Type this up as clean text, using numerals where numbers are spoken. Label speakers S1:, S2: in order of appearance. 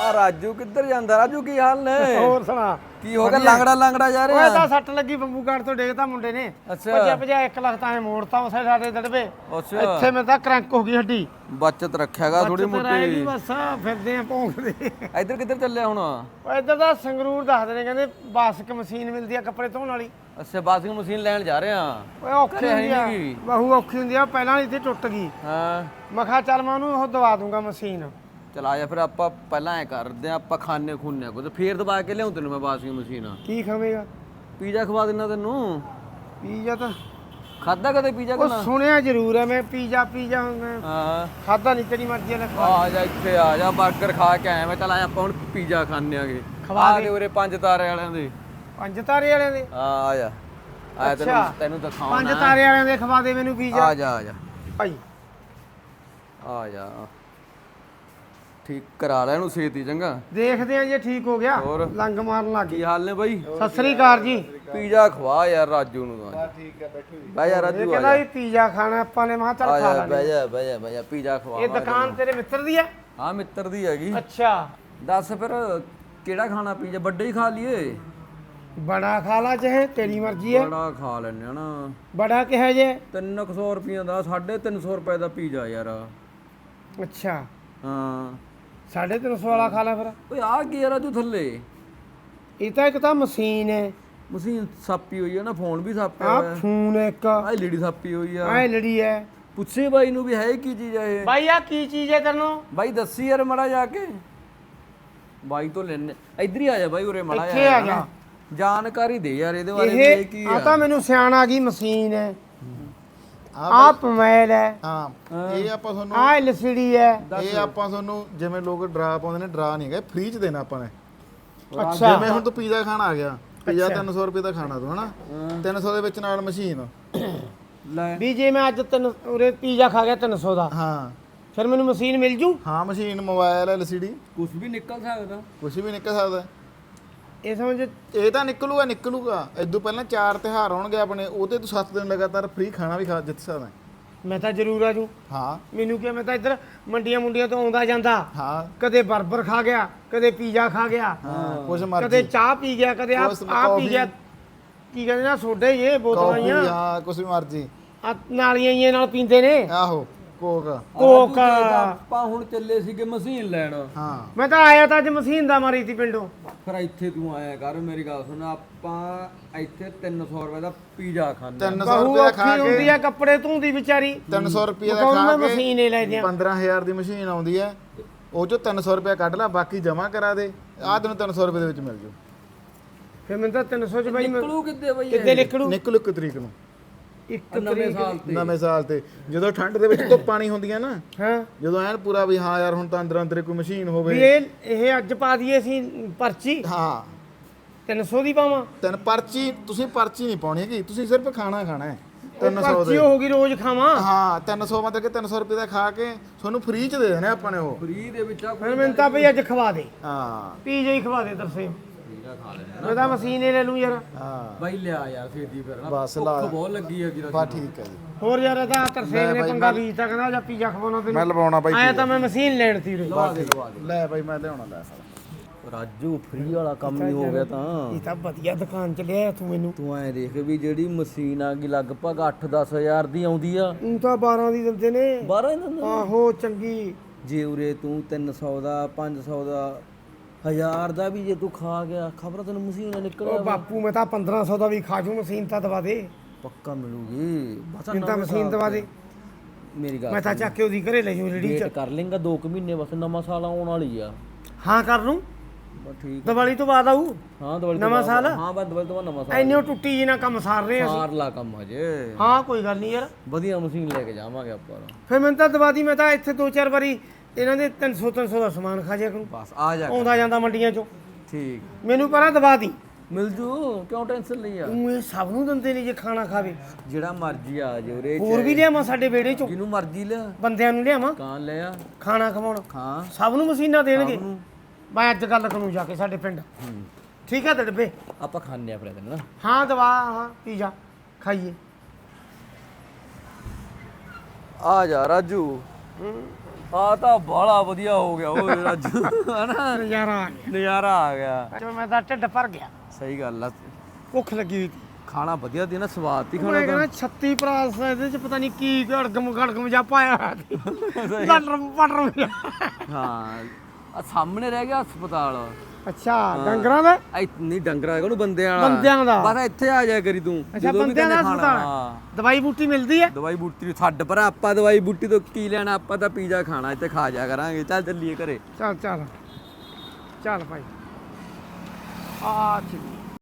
S1: ਆ ਰਾਜੂ ਕਿੱਧਰ ਜਾਂਦਾ? ਰਾਜੂ ਕੀ ਹਾਲ ਨੇ?
S2: ਹੋਰ ਸੁਣਾ
S1: ਕੀ ਹੋ ਗਿਆ? ਲੰਗੜਾ ਜਾ ਰਿਹਾ?
S2: ਓਏ ਤਾਂ ਸੱਟ ਲੱਗੀ ਬੰਬੂ ਕਾਰਡ ਤੋਂ ਡੇਗਤਾ ਮੁੰਡੇ ਨੇ।
S1: ਅੱਛਾ
S2: ਭਜਾ 1 ਲੱਖ ਤਾਂ ਮੋੜਤਾ ਉਸੇ ਸਾਡੇ ਦੜਵੇ।
S1: ਅੱਛਾ
S2: ਇੱਥੇ ਮੈਂ ਤਾਂ ਕਰੰਕ ਹੋ ਗਈ ਹੱਡੀ।
S1: ਬਚਤ ਰੱਖਿਆਗਾ ਥੋੜੀ ਮੋਟੀ।
S2: ਬਸ ਫਿਰਦੇ ਆ ਭੌਂਕਦੇ।
S1: ਇੱਧਰ ਕਿੱਧਰ ਚੱਲਿਆ ਹੁਣ?
S2: ਓਏ ਇੱਧਰ ਦਾ ਸੰਗਰੂਰ ਦੱਸਦੇ ਨੇ, ਕਹਿੰਦੇ ਬਾਸਕ ਮਸ਼ੀਨ ਮਿਲਦੀ ਆ ਕੱਪੜੇ ਧੋਣ ਵਾਲੀ।
S1: ਅੱਛਾ ਵਾਸ਼ਿੰਗ ਮਸ਼ੀਨ ਲੈਣ ਜਾ ਰਹੇ ਆ।
S2: ਓਏ ਔਖੀ ਹੁੰਦੀ ਆ, ਬਹੁ ਔਖੀ ਹੁੰਦੀ ਆ। ਪਹਿਲਾਂ ਇੱਥੇ ਟੁੱਟ ਗਈ।
S1: ਹਾਂ
S2: ਮੈਂ ਕਿਹਾ ਚੱਲ ਮੈਂ ਉਹਨੂੰ ਉਹ ਦਵਾ ਦੂੰਗਾ ਮਸ਼ੀਨ।
S1: ਚਲ ਆ ਜਾ ਫਿਰ ਆਪਾਂ ਪਹਿਲਾਂ ਐ ਕਰਦੇ ਆ, ਆਪਾਂ ਖਾਣੇ ਖੁੰਨੇ ਕੋ ਤੇ ਫੇਰ ਦਬਾ ਕੇ ਲਿਆਉਂ ਤੈਨੂੰ ਮੈਂ ਵਾਸ਼ਿੰਗ ਮਸ਼ੀਨ।
S2: ਕੀ ਖਾਵੇਂਗਾ?
S1: ਪੀਜ਼ਾ ਖਵਾ ਦਿੰਦਾ ਤੈਨੂੰ।
S2: ਪੀਜ਼ਾ ਤਾਂ
S1: ਖਾਦਾ ਕਦੇ ਪੀਜ਼ਾ
S2: ਉਹ
S1: ਕਨਾ?
S2: ਸੁਣਿਆ ਜ਼ਰੂਰ ਹੈ ਮੈਂ ਪੀਜ਼ਾ
S1: ਹਾਂ
S2: ਖਾਦਾ ਨਹੀਂ, ਤੇਰੀ ਮਰਜ਼ੀ ਨਾਲ ਖਵਾ।
S1: ਆ ਜਾ ਇੱਥੇ ਆ ਜਾ, 버ਗਰ ਖਾ ਕੇ ਆਇਆ ਮੈਂ। ਚੱਲ ਆ ਆਪਾਂ ਹੁਣ ਪੀਜ਼ਾ ਖਾਣੇ ਆਗੇ।
S2: ਖਵਾ ਦੇ।
S1: ਦੇ ਉਰੇ 5 ਤਾਰੇ ਵਾਲਿਆਂ ਦੇ।
S2: 5 ਤਾਰੇ ਵਾਲਿਆਂ ਦੇ?
S1: ਆ ਜਾ ਆ ਤੈਨੂੰ ਦਿਖਾਉਣਾ।
S2: 5 ਤਾਰੇ ਵਾਲਿਆਂ ਦੇ ਖਵਾ ਦੇ ਮੈਨੂੰ ਪੀਜ਼ਾ।
S1: ਆ ਜਾ
S2: ਭਾਈ
S1: ਆ ਜਾ ਠੀਕ ਕਰਾ ਲੈ ਇਹਨੂੰ ਛੇਤੀ ਚੰਗਾ।
S2: ਦੇਖਦੇ ਆ ਜੇ ਠੀਕ ਹੋ ਗਿਆ।
S1: ਹੋਰ?
S2: ਲੰਗ ਮਾਰਨ ਲੱਗ
S1: ਕੀ
S2: ਗਈ।
S1: ਹਾਲ ਨੇ ਬਾਈ?
S2: ਸਤਿ ਸ੍ਰੀ ਅਕਾਲ ਜੀ।
S1: ਪੀਜ਼ਾ ਖਵਾ ਯਾਰ ਰਾਜੂ ਨੂੰ ਤਾਂ।
S3: ਠੀਕ ਹੈ ਬੈਠੋ ਜੀ।
S1: ਬਹਿ ਜਾ
S2: ਇਹ
S1: ਰਾਜੂ ਆ
S2: ਕਹਿੰਦਾ
S1: ਜਾ।
S2: ਵੀ ਪੀਜ਼ਾ ਖਾਣਾ ਆਪਾਂ ਨੇ। ਮੈਂ ਕਿਹਾ ਚੱਲ ਖਾ
S1: ਬਹਿ
S2: ਲਾਂਗੇ।
S1: ਜਾ ਬਹਿ ਜਾ ਪੀਜ਼ਾ ਖਵਾ।
S2: ਇਹ ਦੁਕਾਨ ਤੇਰੇ ਮਿੱਤਰ ਦੀ ਹੈ?
S1: ਹਾਂ ਮਿੱਤਰ ਦੀ ਹੈਗੀ।
S2: ਅੱਛਾ
S1: ਦੱਸ ਫਿਰ ਕਿਹੜਾ ਖਾਣਾ? ਪੀਜ਼ਾ ਵੱਡਾ ਹੀ ਖਾ ਲਈਏ?
S2: ਬੜਾ ਖਾ ਲਾ ਚਾਹੇ ਤੇਰੀ ਮਰਜ਼ੀ ਹੈ।
S1: ਬੜਾ ਖਾ ਲੈਣੇ ਆ ਨਾ।
S2: ਬੜਾ ਕਿਹਾ ਜੇ?
S1: 300 ਰੁਪਈਆ ਦਾ 350 ਰੁਪਏ ਦਾ ਪੀਜ਼ਾ ਯਾਰ।
S2: ਅੱਛਾ
S1: ਹਾਂ
S2: 350 ਵਾਲਾ ਖਾ ਲੈ ਫਿਰ।
S1: ਓਏ ਆ ਕੀ ਯਾਰ ਰਾਜੂ ਥੱਲੇ?
S2: ਇਹ ਤਾਂ ਇੱਕ ਤਾਂ ਮਸ਼ੀਨ ਹੈ।
S1: ਮਸ਼ੀਨ ਸਾਪੀ ਹੋਈ ਆ ਨਾ, ਫੋਨ ਵੀ ਸਾਪਿਆ
S2: ਆ
S1: ਹੋਇਆ।
S2: ਫੋਨ ਇੱਕ
S1: ਆ ਐਲਈਡੀ ਸਾਪੀ ਹੋਈ ਆ।
S2: ਐ ਲੜੀ ਹੈ।
S1: ਪੁੱਛੇ ਬਾਈ ਨੂੰ ਵੀ ਹੈ ਕੀ ਚੀਜ਼ ਆ ਇਹ?
S2: ਬਾਈ ਆ ਕੀ ਚੀਜ਼ ਹੈ ਤੈਨੂੰ?
S1: ਬਾਈ ਦੱਸੀ ਯਾਰ ਮੜਾ ਜਾ ਕੇ। ਬਾਈ ਤੋਂ ਲੈਣੇ। ਇੱਧਰ ਹੀ ਆ ਜਾ ਬਾਈ ਉਰੇ ਮੜਾ
S2: ਇੱਥੇ ਆ ਜਾ।
S1: ਜਾਣਕਾਰੀ ਦੇ ਯਾਰ ਇਹਦੇ ਬਾਰੇ ਵੀ ਇਹ ਕੀ
S2: ਆ
S1: ਆ।
S2: ਤਾਂ ਮੈਨੂੰ ਸਿਆਣ ਆ ਗਈ ਮਸ਼ੀਨ ਹੈ। ਆ ਪਮੈਲ ਹੈ।
S3: ਹਾਂ ਇਹ ਆਪਾਂ ਤੁਹਾਨੂੰ
S2: ਆ ਐਲਸੀਡੀ ਹੈ।
S3: ਇਹ ਆਪਾਂ ਤੁਹਾਨੂੰ ਜਿਵੇਂ ਲੋਕ ਡਰਾ ਪਾਉਂਦੇ ਨੇ, ਡਰਾ ਨਹੀਂ ਹੈਗਾ, ਫ੍ਰੀ ਚ ਦੇਣਾ ਆਪਾਂ ਨੇ।
S2: ਅੱਛਾ
S3: ਜਿਵੇਂ ਹੁਣ ਤੂੰ ਪੀਜ਼ਾ ਖਾਣ ਆ ਗਿਆ, ਪੀਜ਼ਾ 300 ਰੁਪਏ ਦਾ ਖਾਣਾ ਤੂੰ ਹਨਾ, 300 ਦੇ ਵਿੱਚ ਨਾਲ ਮਸ਼ੀਨ।
S1: ਲੈ
S2: ਵੀ ਜੇ ਮੈਂ ਅੱਜ ਤੈਨੂੰ ਉਰੇ ਪੀਜ਼ਾ ਖਾ ਗਿਆ 300 ਦਾ,
S3: ਹਾਂ
S2: ਫਿਰ ਮੈਨੂੰ ਮਸ਼ੀਨ ਮਿਲ ਜੂ?
S3: ਹਾਂ ਮਸ਼ੀਨ, ਮੋਬਾਈਲ, ਐਲਸੀਡੀ,
S1: ਕੁਝ ਵੀ ਨਿਕਲ ਸਕਦਾ।
S3: ਕੁਝ ਵੀ ਨਿਕਲ ਸਕਦਾ।
S2: ਇਹ ਸਮਝ।
S3: ਇਹ ਤਾਂ ਨਿਕਲੂਗਾ। ਇਦੋਂ ਪਹਿਲਾਂ 4 ਤਿਉਹਾਰ ਆਉਣਗੇ ਆਪਣੇ, ਉਹਦੇ ਤੂੰ 7 ਦਿਨ ਲਗਾਤਾਰ ਫ੍ਰੀ ਖਾਣਾ ਵੀ ਖਾ ਜਿੱਤ ਸਕਦਾ।
S2: ਮੈਂ ਤਾਂ ਜ਼ਰੂਰ ਆ ਜੂ।
S3: ਹਾਂ
S2: ਮੈਨੂੰ ਕੀ, ਮੈਂ ਤਾਂ ਇੱਧਰ ਮੰਡੀਆਂ ਮੁੰਡੀਆਂ ਤੋਂ ਆਉਂਦਾ ਜਾਂਦਾ।
S3: ਹਾਂ
S2: ਕਦੇ 버ਗਰ ਖਾ ਗਿਆ, ਕਦੇ ਪੀਜ਼ਾ ਖਾ ਗਿਆ,
S3: ਹਾਂ ਕੁਝ
S2: ਕਦੇ
S3: ਮਰਜ਼ੀ,
S2: ਚਾਹ ਪੀ ਗਿਆ, ਕਦੇ ਆ
S3: ਕੁਛ
S2: ਪੀ ਗਿਆ। ਕੀ ਕਹਿੰਦੇ ਨਾ ਸੋਡੇ ਇਹ ਬੋਤਲਾਂ
S3: ਕੌਫੀ,
S2: ਆਈਆਂ
S3: ਹਾਂ ਕੁਝ ਵੀ ਮਰਜ਼ੀ।
S2: ਆ ਨਾਲੀਆਂ ਇਹ ਨਾਲ ਪੀਂਦੇ ਨੇ।
S3: ਆਹੋ ਕੋਕ।
S2: ਕੋਕ।
S1: ਆਪਾਂ ਹੁਣ ਚੱਲੇ ਸੀਗੇ ਮਸ਼ੀਨ ਲੈਣ।
S3: ਹਾਂ
S2: ਮੈਂ ਤਾਂ ਆਇਆ ਤਾਂ ਅੱਜ ਮਸ਼ੀਨ ਦਾ ਮਾਰੀ ਸੀ ਪਿੰਡੋਂ।
S1: ਫਿਰ ਇੱਥੇ ਤੂੰ ਆਇਆ ਕਰ, ਮੇਰੀ ਗੱਲ ਸੁਣ। ਆਪਾਂ ਇੱਥੇ 300 ਰੁਪਏ ਦਾ ਪੀਜ਼ਾ ਖਾਂਦੇ
S3: 300
S2: ਬਹੂ
S3: ਰੁਪਏ ਦਾ ਖਾ
S2: ਔਖੀ ਹੁੰਦੀ
S3: ਕੇ,
S2: ਆ ਕੱਪੜੇ ਧੋਂਦੀ ਵਿਚਾਰੀ।
S3: 300 ਰੁਪਏ ਦਾ
S2: ਕਹੂੰ
S3: ਖਾ
S2: ਮੈਂ
S3: ਕੇ
S2: ਮਸ਼ੀਨ ਹੀ ਲੈ ਦਿਆਂ।
S3: 15000 ਦੀ ਮਸ਼ੀਨ ਆਉਂਦੀ ਹੈ, ਉਹ ਚੋਂ 300 ਰੁਪਏ ਕੱਢ ਲੈ, ਬਾਕੀ ਜਮਾ ਕਰਾ ਦੇ। ਆਹ ਤੈਨੂੰ 300 ਰੁਪਏ ਦੇ ਵਿੱਚ ਮਿਲ ਜੂ।
S2: ਫਿਰ ਮੈਨੂੰ ਤਾਂ 300 ਚ ਬਾਈ
S1: ਨਿਕਲੂ ਕਿੱਦੇ ਬਈ?
S2: ਕਿੱਦੇ ਨਿਕਲੂ?
S3: ਨਿਕਲੂ 1 ਤਰੀਕ ਨੂੰ,
S2: ਇੱਕ
S1: ਨਵੇਂ
S2: ਤਰੀਕ।
S1: ਸਾਲ ਤੇ।
S3: ਨਵੇਂ ਸਾਲ ਤੇ, ਜਦੋਂ ਠੰਡ ਦੇ ਵਿੱਚ ਧੁੱਪ ਪਾਣੀ ਹੁੰਦੀ ਹੈ ਨਾ,
S2: ਹਾਂ
S3: ਜਦੋਂ ਐਨ ਪੂਰਾ ਵੀ ਹਾਂ ਯਾਰ ਹੁਣ ਤਾਂ ਅੰਦਰ ਅੰਦਰ ਕੋਈ ਮਸ਼ੀਨ
S2: ਵੀ
S3: ਹੋਵੇ।
S2: ਇਹ ਅੱਜ ਪਾ ਦਈਏ ਅਸੀਂ ਪਰਚੀ
S3: ਹਾਂ
S2: 300 ਦੀ ਪਾਵਾਂ।
S3: ਤੈਨੂੰ ਪਰਚੀ, ਤੁਸੀਂ ਪਰਚੀ ਨਹੀਂ ਪਾਉਣੀ ਹੈਗੀ, ਤੁਸੀਂ ਸਿਰਫ ਖਾਣਾ ਖਾਣਾ ਹੈ 300
S2: ਪਰਚੀ
S3: ਦੇ।
S2: ਹੋਊਗੀ ਰੋਜ਼ ਖਾਵਾਂ।
S3: ਹਾਂ 300 ਮਤਲਬ ਕਿ 300 ਰੁਪਏ ਦਾ ਖਾ ਕੇ ਤੁਹਾਨੂੰ ਫ੍ਰੀ ਚ ਦੇ ਦੇਣੇ ਆਪਾਂ ਨੇ ਉਹ।
S1: ਫ੍ਰੀ ਦੇ ਵਿੱਚ ਆ
S2: ਫਿਰ ਮੈਨੂੰ ਤਾਂ ਭਈ ਅੱਜ ਖਵਾ ਦੇ,
S3: ਹਾਂ
S2: ਪੀਜ਼ਾ ਹੀ ਖਵਾ ਦੇ ਤਰਸੇ।
S1: ਪੀਜ਼ਾ ਖਾ ਲੈਣਾ।
S2: ਮੈਂ ਤਾਂ ਮਸ਼ੀਨ ਹੀ ਲੈ ਲੂੰ ਯਾਰ।
S3: ਹਾਂ
S1: ਬਾਈ ਲਿਆ ਯਾਰ ਛੇਤੀ ਫਿਰ ਨਾ।
S3: ਬਸ
S1: ਭੁੱਖ
S3: ਲਾ।
S1: ਬਹੁਤ ਲੱਗੀ ਹੈਗੀ
S3: ਬਸ ਠੀਕ ਹੈ ਜੀ,
S2: ਹੋਰ ਯਾਰ ਇਹਦਾ ਤਰਸੇ
S3: ਲੈ
S2: ਨੇ
S3: ਬਾਈ
S2: ਪੰਗਾ
S3: ਮੈਂ-
S2: ਵੀ ਤਾਂ ਕਹਿੰਦਾ ਜਾਂ ਪੀਜ਼ਾ ਖਵਾਉਣਾ
S3: ਮੈਂ
S2: ਤੈਨੂੰ।
S3: ਲਵਾਉਣਾ ਬਾਈ
S2: ਆਇਆ
S3: ਪੀਜ਼ਾ।
S2: ਤਾਂ ਮੈਂ ਮਸ਼ੀਨ ਲੈਣ ਤੀ ਉਰੇ।
S1: ਲਵਾ ਦੇ ਲਵਾ ਦੇ।
S3: ਲੈ ਬਾਈ ਮੈਂ ਲਿਆਉਣਾ, ਲੈ ਸਾਰਾ।
S1: ਰਾਜੂ ਫ੍ਰੀ ਵਾਲਾ ਕੰਮ ਹੀ ਹੋ ਗਿਆ ਤਾਂ।
S2: ਇਹ ਤਾਂ ਵਧੀਆ ਦੁਕਾਨ ਚ ਲਿਆ ਤੂੰ ਮੈਨੂੰ।
S1: ਤੂੰ ਐ ਦੇਖ ਵੀ ਜਿਹੜੀ ਮਸ਼ੀਨ ਆ ਗਈ ਲਗਭਗ 8-10 ਹਜ਼ਾਰ ਦੀ ਆਉਂਦੀ ਆ।
S2: ਉਹ ਤਾਂ 12 ਦੀ ਦਿੰਦੇ ਨੇ।
S1: 12 ਇਹਨਾਂ ਨੂੰ।
S2: ਆਹੋ ਚੰਗੀ।
S1: ਜੇ ਉਰੇ ਤੂੰ 300 ਦਾ 500 ਦਾ 1000 ਦਾ ਵੀ ਜੇ ਤੂੰ ਖਾ ਗਿਆ, ਖਬਰ ਤੈਨੂੰ ਮਸ਼ੀਨ ਨਿਕਲਿਆ
S2: ਉਹ ਬਾਪੂ ਮੈਂ ਤਾਂ 1500 ਦਾ ਵੀ ਖਾ ਜੂ। ਮਸ਼ੀਨ ਤਾਂ ਦਵਾ ਦੇ,
S1: ਪੱਕਾ ਮਿਲੂਗੀ। ਬਸ
S2: ਮੈਨੂੰ ਤਾਂ
S1: ਨਵੇਂ
S2: ਮਸ਼ੀਨ
S1: ਸਾਲ
S2: ਦਵਾ
S1: ਤੇ।
S2: ਦੇ।
S1: ਮੇਰੀ ਗੱਲ
S2: ਮੈਂ ਤਾਂ ਚੱਕ ਕੇ ਉਹਦੀ ਘਰੇ ਲੈ ਜੂ ਰੇੜੀ
S1: ਵੇਟ
S2: ਚ।
S1: ਕਰ ਲੇਗਾ 2 ਮਹੀਨੇ ਬਸ, ਨਵਾਂ ਸਾਲ ਆਉਣ ਵਾਲੀ ਆ।
S2: ਹਾਂ ਕਰ ਲੂੰ,
S1: ਬਸ ਠੀਕ।
S2: ਦੀਵਾਲੀ ਤੋਂ ਬਾਅਦ ਆਊ।
S1: ਹਾਂ ਦੀਵਾਲੀ ਤੋਂ
S2: ਨਵਾਂ
S1: ਬਾਅਦ।
S2: ਸਾਲ?
S1: ਹਾਂ ਬਸ ਦੀਵਾਲੀ ਤੋਂ ਬਾਅਦ ਨਵਾਂ ਸਾਲ।
S2: ਐਨੇ ਟੁੱਟੀ ਜੀ ਨਾ ਕੰਮ ਸਾਰ ਰਹੇ ਅਸੀਂ।
S1: ਸਾਰ ਲਾ ਕੰਮ ਹਜੇ।
S2: ਹਾਂ ਕੋਈ ਗੱਲ ਨਹੀਂ ਯਾਰ।
S1: ਵਧੀਆ ਮਸ਼ੀਨ ਲੈ ਕੇ ਜਾਵਾਂਗੇ ਆਪਾਂ।
S2: ਫਿਰ ਮੈਨੂੰ ਤਾਂ ਦਵਾ ਦੀ। ਮੈਂ ਤਾਂ ਇੱਥੇ 2-4 ਵਾਰੀ ਇਹਨਾਂ ਦੇ 300 ਦਾ ਸਮਾਨ ਖਾ ਜਿਆ ਕਰੂੰ,
S1: ਬਸ ਆ ਜਾ।
S2: ਆਉਂਦਾ ਜਾਂਦਾ ਮੰਡੀਆਂ ਚੋਂ।
S1: ਠੀਕ
S2: ਮੈਨੂੰ ਪਰਾਂ ਦਵਾ ਦੀ।
S1: ਮਿਲ ਜੂ, ਕਿਉਂ ਟੈਨਸ਼ਨ ਲਈ ਆ?
S2: ਤੂੰ ਇਹ ਸਭ ਨੂੰ ਦਿੰਦੇ ਨੇ ਜੇ ਖਾਣਾ ਖਾਵੇ।
S1: ਜਿਹੜਾ ਮਰਜੀ ਆ ਜੇ ਉਰੇ।
S2: ਹੋਰ ਵੀ ਲਿਆਵਾਂ ਸਾਡੇ ਵਿਹੜੇ ਚੋਂ?
S1: ਜਿਹਨੂੰ ਮਰਜੀ ਲਿਆ।
S2: ਬੰਦਿਆਂ ਨੂੰ ਲਿਆਵਾਂ
S1: ਕਾਂ ਲੈ ਆ।
S2: ਖਾਣਾ ਖਵਾਉਣ?
S1: ਹਾਂ
S2: ਸਭ ਨੂੰ ਮਸ਼ੀਨਾਂ ਦੇਣਗੇ?
S1: ਸਭ ਨੂੰ।
S2: ਮੈਂ ਅੱਜ ਗੱਲ ਕਰੂੰ ਜਾ ਕੇ ਸਾਡੇ ਪਿੰਡ। ਠੀਕ ਹੈ ਡੱਬੇ?
S1: ਆਪਾਂ ਖਾਣੇ ਆ ਫਿਰ ਇਹਦੇ ਨਾਲ।
S2: ਹਾਂ ਦਵਾ। ਹਾਂ ਪੀਜ਼ਾ ਖਾਈਏ।
S1: ਆ ਜਾ ਰਾਜੂ। ਆ ਤਾਂ ਬਾਲਾ ਵਧੀਆ ਹੋ ਗਿਆ ਓਏ ਰਾਜੂ ਹਨਾ
S2: ਨਜ਼ਾਰਾ ਆ ਗਿਆ
S1: ਨਜ਼ਾਰਾ ਆ ਗਿਆ
S2: ਚਲੋ ਮੈਂ ਤਾਂ ਢਿੱਡ ਭਰ ਗਿਆ
S1: ਸਹੀ ਗੱਲ ਆ
S2: ਭੁੱਖ ਲੱਗੀ ਹੋਈ ਸੀ
S1: ਖਾਣਾ ਵਧੀਆ ਦੀ ਨਾ ਸਵਾਦ ਤੀ ਖਾਣਾ
S2: ਮੈਂ
S1: ਤਾਂ
S2: ਕਹਿੰਦਾ 36 ਪ੍ਰਾਸ ਇਹਦੇ ਚ ਪਤਾ ਨਹੀਂ ਕੀ ਗੜਗਮ ਜਾ ਪਾਇਆ ਪਟਰ
S1: ਹਾਂ ਆ ਸਾਹਮਣੇ ਰਹਿ ਗਿਆ ਹਸਪਤਾਲ
S2: ਅੱਛਾ ਡੰਗਰਾਂ ਦਾ
S1: ਨਹੀਂ ਡੰਗਰਾ ਹੈਗਾ ਉਹਨੂੰ ਬੰਦਿਆਂ ਵਾਲਾ
S2: ਬੰਦਿਆਂ ਦਾ
S1: ਬਸ ਇੱਥੇ ਆ ਜਾਇਆ ਕਰੀ ਤੂੰ
S2: ਅੱਛਾ ਬੰਦਿਆਂ ਦਾ ਹਸਪਤਾਲ ਦਵਾਈ ਬੂਟੀ ਮਿਲਦੀ ਹੈ
S1: ਦਵਾਈ ਬੂਟੀ ਨੂੰ ਛੱਡ ਪਰ ਆਪਾਂ ਦਵਾਈ ਬੂਟੀ ਤੋਂ ਕੀ ਲੈਣਾ ਆਪਾਂ ਤਾਂ ਪੀਜ਼ਾ ਖਾਣਾ ਇੱਥੇ ਖਾ ਜਾ ਕਰਾਂਗੇ ਚੱਲ ਚੱਲੀਏ ਘਰੇ
S2: ਚੱਲ ਚੱਲ ਚੱਲ ਭਾਈ ਆ ਚਲੀ